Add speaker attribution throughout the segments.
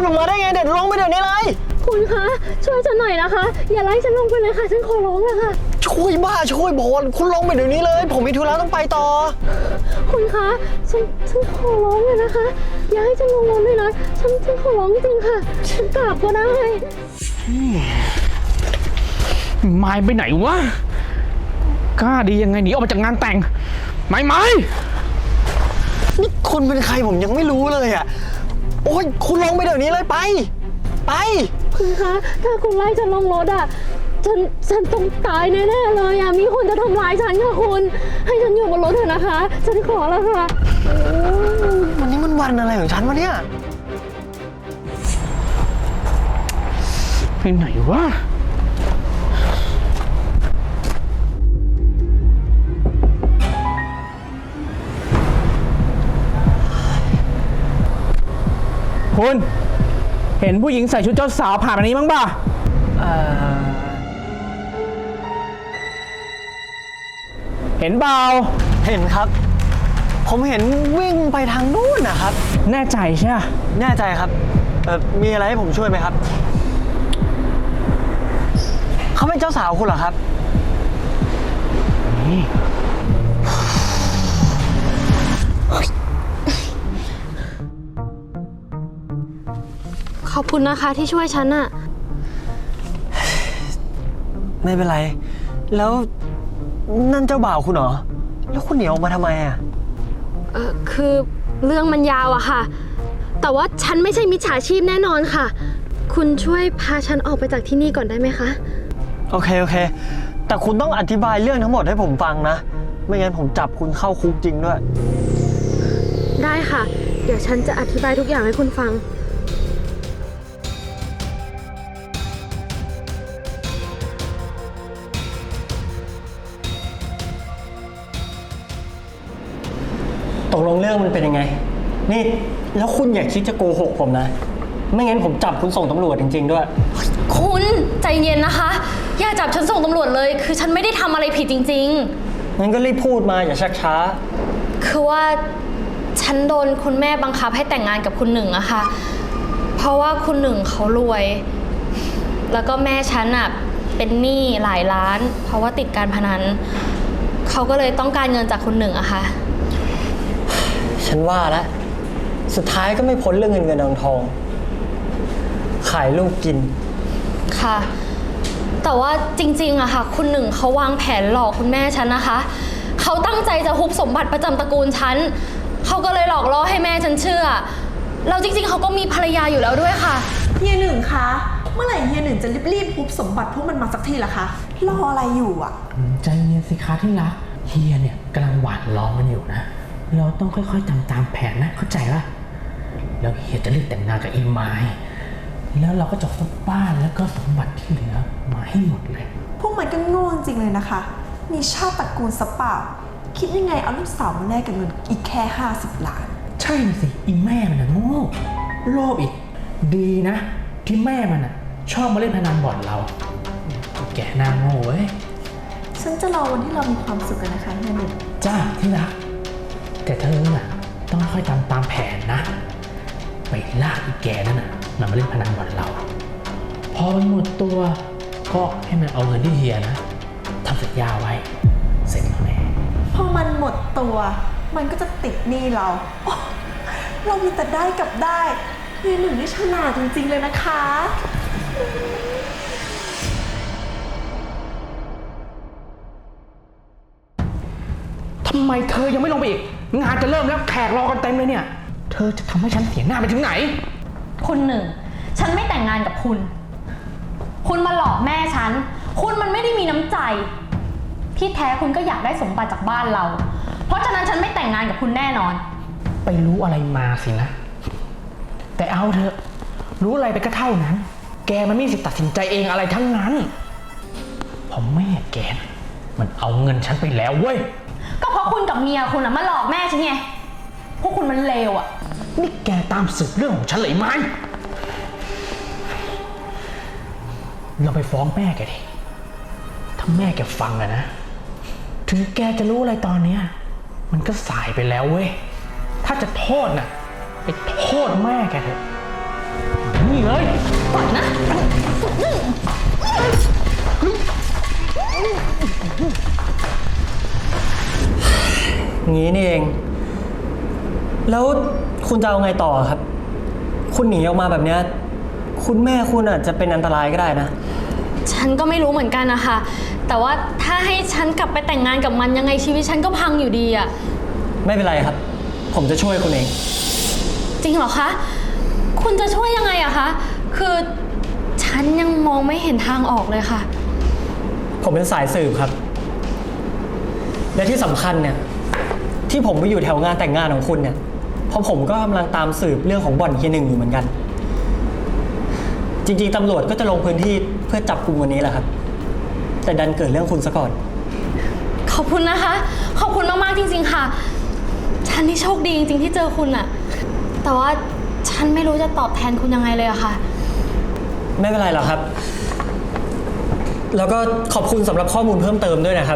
Speaker 1: ลงมาได้ไงเด็ดลงไปเดี๋ยวนี้เลย
Speaker 2: คุณคะช่วยฉันหน่อยนะคะอย่าไล่ฉันลงไปเลยค่ะฉันขอร้องเลยค่ะ
Speaker 1: ช่วยบ้าช่วยบอลคุณลงไปเดี๋ยวนี้เลยผมมีธุระต้องไปต่อ
Speaker 2: คุณคะฉันขอร้องเลยนะคะอย่าให้ฉันลงน้ำเลยนะฉันขอร้องจริงค่ะฉันกราบก็ได้
Speaker 3: ไม้ไปไหนวะกล้าดียังไงหนีออกมาจากงานแต่งไม้
Speaker 1: นี่คุณเป็นใครผมยังไม่รู้เลยอ่ะโอ้ยคุณลงไปเดี๋ยวนี้เลยไป
Speaker 2: คุณคะถ้าคุณไล่ฉันลงรถอ่ะฉันต้องตายแน่ๆเลยอ่ะมีคนจะทำร้ายฉันค่ะคุณให้ฉันอยู่บนรถเถอะนะคะฉันขอแล้วค่ะ
Speaker 1: วันนี้มันวันอะไรของฉันวะเนี่ย
Speaker 3: ไปไหนวะคุณเห็นผู้หญิงใส่ชุดเจ้าสาวผ่านมานี้มั้งป่ะเห็นเปล่า
Speaker 1: เห็นครับผมเห็นวิ่งไปทางนู้นนะครับ
Speaker 3: แน่ใจใช่ไหม
Speaker 1: แน่ใจครับมีอะไรให้ผมช่วยไหมครับเขาเป็นเจ้าสาวคุณเหรอครับ
Speaker 2: ขอบคุณนะคะที่ช่วยฉันอะ
Speaker 1: ไม่เป็นไรแล้วนั่นเจ้าบ่าวคุณเหรอแล้วคุณหนีออกมาทำไมอะ
Speaker 2: คือเรื่องมันยาวอะค่ะแต่ว่าฉันไม่ใช่มิจฉาชีพแน่นอนค่ะคุณช่วยพาฉันออกไปจากที่นี่ก่อนได้ไหมคะ
Speaker 1: โอเคแต่คุณต้องอธิบายเรื่องทั้งหมดให้ผมฟังนะไม่งั้นผมจับคุณเข้าคุกจริงด้วย
Speaker 2: ได้ค่ะเดี๋ยวฉันจะอธิบายทุกอย่างให้คุณฟัง
Speaker 1: ตกลงเรื่องมันเป็นยังไงนี่แล้วคุณอย่าคิดจะโกหกผมนะไม่งั้นผมจับคุณส่งตำรวจจริงๆด้วย
Speaker 2: คุณใจเย็นนะคะอย่าจับฉันส่งตำรวจเลยคือฉันไม่ได้ทำอะไรผิดจริง
Speaker 1: ๆงั้นก็รีบพูดมาอย่าชักช้า
Speaker 2: คือว่าฉันโดนคุณแม่บังคับให้แต่งงานกับคุณหนึ่งอะค่ะเพราะว่าคุณหนึ่งเขารวยแล้วก็แม่ฉันอะเป็นหนี้หลายล้านเพราะว่าติดการพนันเขาก็เลยต้องการเงินจากคุณหนึ่งอะค่ะ
Speaker 1: ฉันว่าแล้วสุดท้ายก็ไม่พ้นเรื่องเงินทองขายลูกกิน
Speaker 2: ค่ะแต่ว่าจริงๆอะค่ะคุณหนึ่งเขาวางแผนหลอกคุณแม่ฉันนะคะเขาตั้งใจจะฮุบสมบัติประจำตระกูลฉันเขาก็เลยหลอกล่อให้แม่ฉันเชื่อแล้วจริงๆเขาก็มีภรรยาอยู่แล้วด้วยค่ะ
Speaker 4: เฮียหนึ่งคะเมื่อไหร่เฮียหนึ่งจะรีบฮุบสมบัติพวกมันมาสักทีล่ะคะรออะไรอยู่อะ
Speaker 3: ใจเย็นสิคะที่รักเฮียเนี่ยกำลังหวานล้อมมันอยู่นะเราต้องค่อยๆทำตามแผนนะเข้าใจป่ะแล้วเฮียจะรีบแต่งงานกับอีไม้แล้วเราก็จะฮุบบ้านแล้วก็สมบัติที่เหลือมาให้หมดเลย
Speaker 4: พวกมันก็โง่จริงเลยนะคะมีชาติตระกูลสปาคิดยังไงเอาลูกสาวมาแลกกับเงินอีกแค่50 ล้าน
Speaker 3: ใช่สิอีแม่มันนะโง่โลภอีกดีนะที่แม่มันน่ะชอบมาเล่นพนันบ่อนเราแกหน้าโง่เว้ย
Speaker 4: ฉันจะรอวันที่เรามีความสุขกันนะคะเฮียหนึ่ง
Speaker 3: จ้าที่รักแต่เธอน่ะต้องค่อยทำตามแผนนะไปลากอีแกนั่นน่ะมาเล่นพนันบ่อนเราพอมันหมดตัวก็ให้มันเอาเงินที่เฮียนะทำสัญญาไว้เสร็จแล้วแน่
Speaker 4: พอมันหมดตัวมันก็จะติดหนี้เราเรามีแต่ได้กับได้เฮียหนึ่งนี่ฉลาดจริงๆเลยนะคะ
Speaker 3: ทำไมเธอยังไม่ลงไปอีกงานจะเริ่มแล้วแขกรอกันเต็มเลยเนี่ยเธอจะทำให้ฉันเสียหน้าไปถึงไหน
Speaker 2: คุณหนึ่งฉันไม่แต่งงานกับคุณคุณมาหลอกแม่ฉันคุณมันไม่ได้มีน้ำใจที่แท้คุณก็อยากได้สมบัติจากบ้านเราเพราะฉะนั้นฉันไม่แต่งงานกับคุณแน่นอน
Speaker 3: ไปรู้อะไรมาสินะแต่เอาเถอะรู้อะไรไปก็เท่านั้นแกมันไม่มีสิทธิ์ตัดสินใจเองอะไรทั้งนั้นเพราะแม่แกมันเอาเงินฉันไปแล้วเว้ย
Speaker 2: ก็เพราะคุณกับเมียคุณมาหลอกแม่ฉันไงพวกคุณมันเลวอ่ะ
Speaker 3: นี่แกตามสืบเรื่องของฉันเลยไหมเราไปฟ้องแม่แกดิถ้าแม่แกฟังอะนะถึงแกจะรู้อะไรตอนนี้มันก็สายไปแล้วเว้ยถ้าจะโทษน่ะไปโทษแม่แกเถอะนี่เลย
Speaker 2: ปล่อยนะ
Speaker 1: งี้นี่เอง แล้วคุณจะเอาไงต่อครับ คุณหนีออกมาแบบเนี้ยคุณแม่คุณอาจจะเป็นอันตรายก็ได้นะ
Speaker 2: ฉันก็ไม่รู้เหมือนกันนะคะแต่ว่าถ้าให้ฉันกลับไปแต่งงานกับมันยังไงชีวิตฉันก็พังอยู่ดีอะ
Speaker 1: ไม่เป็นไรครับ ผมจะช่วยคุณเอง
Speaker 2: จริงเหรอคะ คุณจะช่วยยังไงอะคะ คือฉันยังมองไม่เห็นทางออกเลยค่ะ
Speaker 1: ผมเป็นสายสืบครับ และที่สำคัญเนี่ยที่ผมไปอยู่แถวงานแต่งงานของคุณเนี่ยเพราะผมก็กำลังตามสืบเรื่องของบ่อนเฮียหนึ่งอยู่เหมือนกัน จริงๆตำรวจก็จะลงพื้นที่เพื่อจับกุมวันนี้แหละครับ แต่ดันเกิดเรื่องคุณซะก่อน
Speaker 2: ขอบคุณนะคะ ขอบคุณมากๆจริงๆค่ะ ฉันนี่โชคดีจริงๆที่เจอคุณอะแต่ว่าฉันไม่รู้จะตอบแทนคุณยังไงเลยอะค่ะ
Speaker 1: ไม่เป็นไรหรอกครับ แล้วก็ขอบคุณสำหรับข้อมูลเพิ่มเติมด้วยนะครับ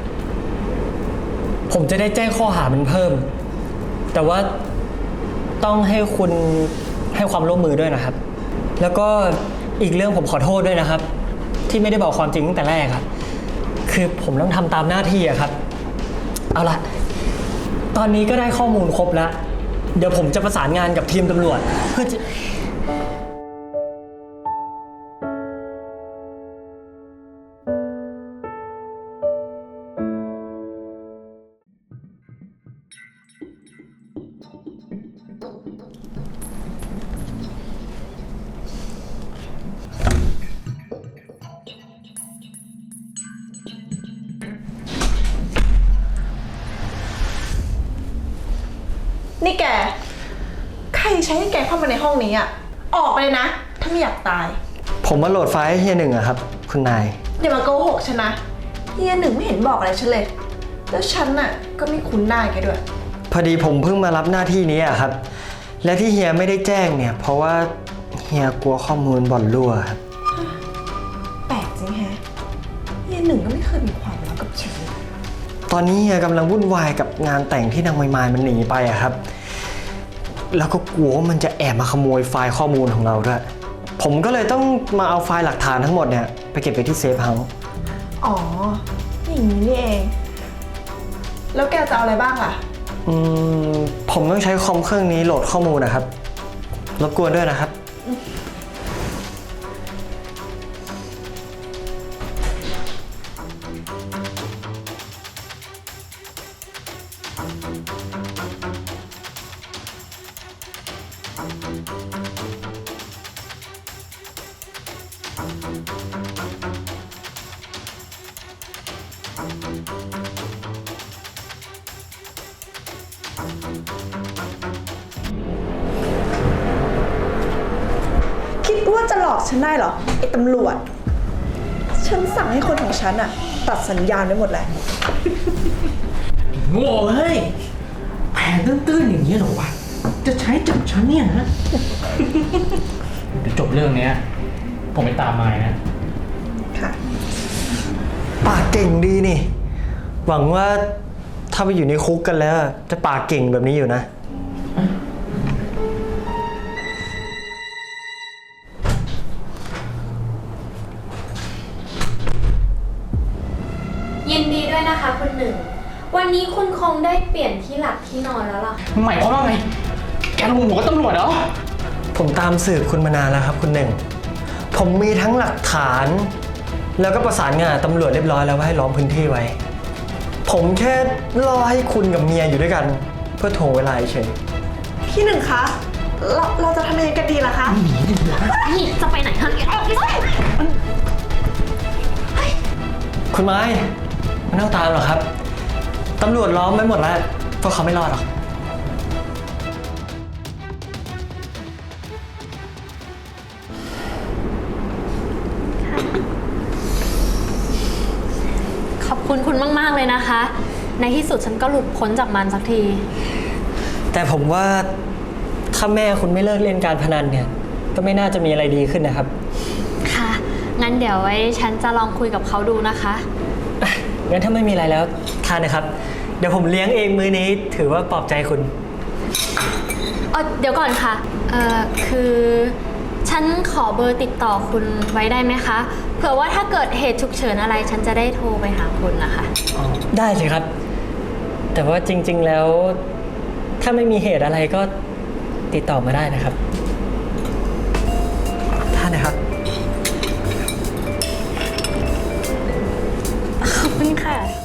Speaker 1: ผมจะได้แจ้งข้อหามันเพิ่ม แต่ว่าต้องให้คุณให้ความร่วมมือด้วยนะครับ แล้วก็อีกเรื่องผมขอโทษด้วยนะครับ ที่ไม่ได้บอกความจริงตั้งแต่แรกครับ คือผมต้องทำตามหน้าที่อะครับ เอาละตอนนี้ก็ได้ข้อมูลครบแล้ว เดี๋ยวผมจะประสานงานกับทีมตำรวจเพื่อจะ
Speaker 4: นี่แก ใครใช้ให้แกเข้ามาในห้องนี้อะออกไปเลยนะ ถ้าไม่อยากตาย
Speaker 1: ผมมาโหลดไฟล์ให้เฮียหนึ่งอะครับ คุณนาย
Speaker 4: อย่ามาโกหกฉันนะเฮียหนึ่งไม่เห็นบอกอะไรฉันเลย แล้วฉันน่ะก็ไม่คุ้นหน้าแกด้วย
Speaker 1: พอดีผมเพิ่งมารับหน้าที่นี้อะครับ และที่เฮียไม่ได้แจ้งเนี่ย เพราะว่าเฮียกลัวข้อมูลบ่อนรั่วครับ
Speaker 4: แปลกจริงแฮะเฮียหนึ่งก็ไม่เคยมีความลับกับฉันเลย
Speaker 1: ตอนนี้เฮียกำลังวุ่นวายกับงานแต่งที่นางไมายมันหนีไปอะครับ แล้วก็กลัวว่ามันจะแอบมาขโมยไฟล์ข้อมูลของเราด้วย ผมก็เลยต้องมาเอาไฟล์หลักฐานทั้งหมดเนี่ยไปเก็บไปที่เซฟเฮาส์
Speaker 4: อ๋อ อย่างนี้นี่เอง แล้วแกจะเอาอะไรบ้างล่ะ
Speaker 1: ผมต้องใช้คอมเครื่องนี้โหลดข้อมูลนะครับ รบกวนด้วยนะครับ
Speaker 4: คิดว่าจะหลอกฉันได้เหรอไอ้ตำรวจ ฉันสั่งให้คนของฉันอะตัดสัญญาณไว้หมดแล้ว
Speaker 3: โง่เฮ้ยแผนตื้นๆอย่างนี้เหรอวะ จะใช้จับฉันเนี่ยนะ เดี๋ยวจบเรื่องเนี้ย ผมไปตามมายนะ
Speaker 4: ค่ะ
Speaker 1: ปากเก่งดีนี่ หวังว่าถ้าไปอยู่ในคุกกันแล้ว จะปากเก่งแบบนี้อยู่นะ
Speaker 2: ยินดีด้วยนะคะคุณหนึ่ง วันนี้คุณคงได้เปลี่ยนที่หลับที่นอนแล้วล่ะ
Speaker 3: หมายความว่าไง แกลงหัวกับตำรวจเหรอ
Speaker 1: ผมตามสืบคุณมานานแล้วครับคุณหนึ่ง ผมมีทั้งหลักฐาน แล้วก็ประสานงานตำรวจเรียบร้อยแล้วว่าให้ล้อมพื้นที่ไว้ ผมแค่รอให้คุณกับเมียอยู่ด้วยกัน เพื่อถ่วงเวลาเฉย
Speaker 4: พี่หนึ่งคะ เราจะทำยังไงกันดีล่ะคะ
Speaker 2: นี่จะไปไหนคะออกไปสิ
Speaker 1: คุณไม้ไม่ต้องตามหรอกครับตำรวจล้อมไว้หมดแล้วพวกเขาไม่รอดหรอก
Speaker 2: ขอบคุณคุณมากๆเลยนะคะ ในที่สุดฉันก็หลุดพ้นจากมันสักที
Speaker 1: แต่ผมว่าถ้าแม่คุณไม่เลิกเล่นการพนันเนี่ย ก็ไม่น่าจะมีอะไรดีขึ้นนะครับ
Speaker 2: ค่ะ งั้นเดี๋ยวไว้ฉันจะลองคุยกับเขาดูนะคะ
Speaker 1: งั้นถ้าไม่มีอะไรแล้วทานนะครับ เดี๋ยวผมเลี้ยงเองมื้อนี้ถือว่าปลอบใจคุณ
Speaker 2: เดี๋ยวก่อนค่ะ คือฉันขอเบอร์ติดต่อคุณไว้ได้ไหมคะ เผื่อว่าถ้าเกิดเหตุฉุกเฉินอะไร ฉันจะได้โทรไปหาคุณนะคะ
Speaker 1: ได้สิครับ แต่ว่าจริง ๆ แล้ว ถ้าไม่มีเหตุอะไรก็ติดต่อมาได้นะครับท่านนะครับ
Speaker 2: ขอบคุณค่ะ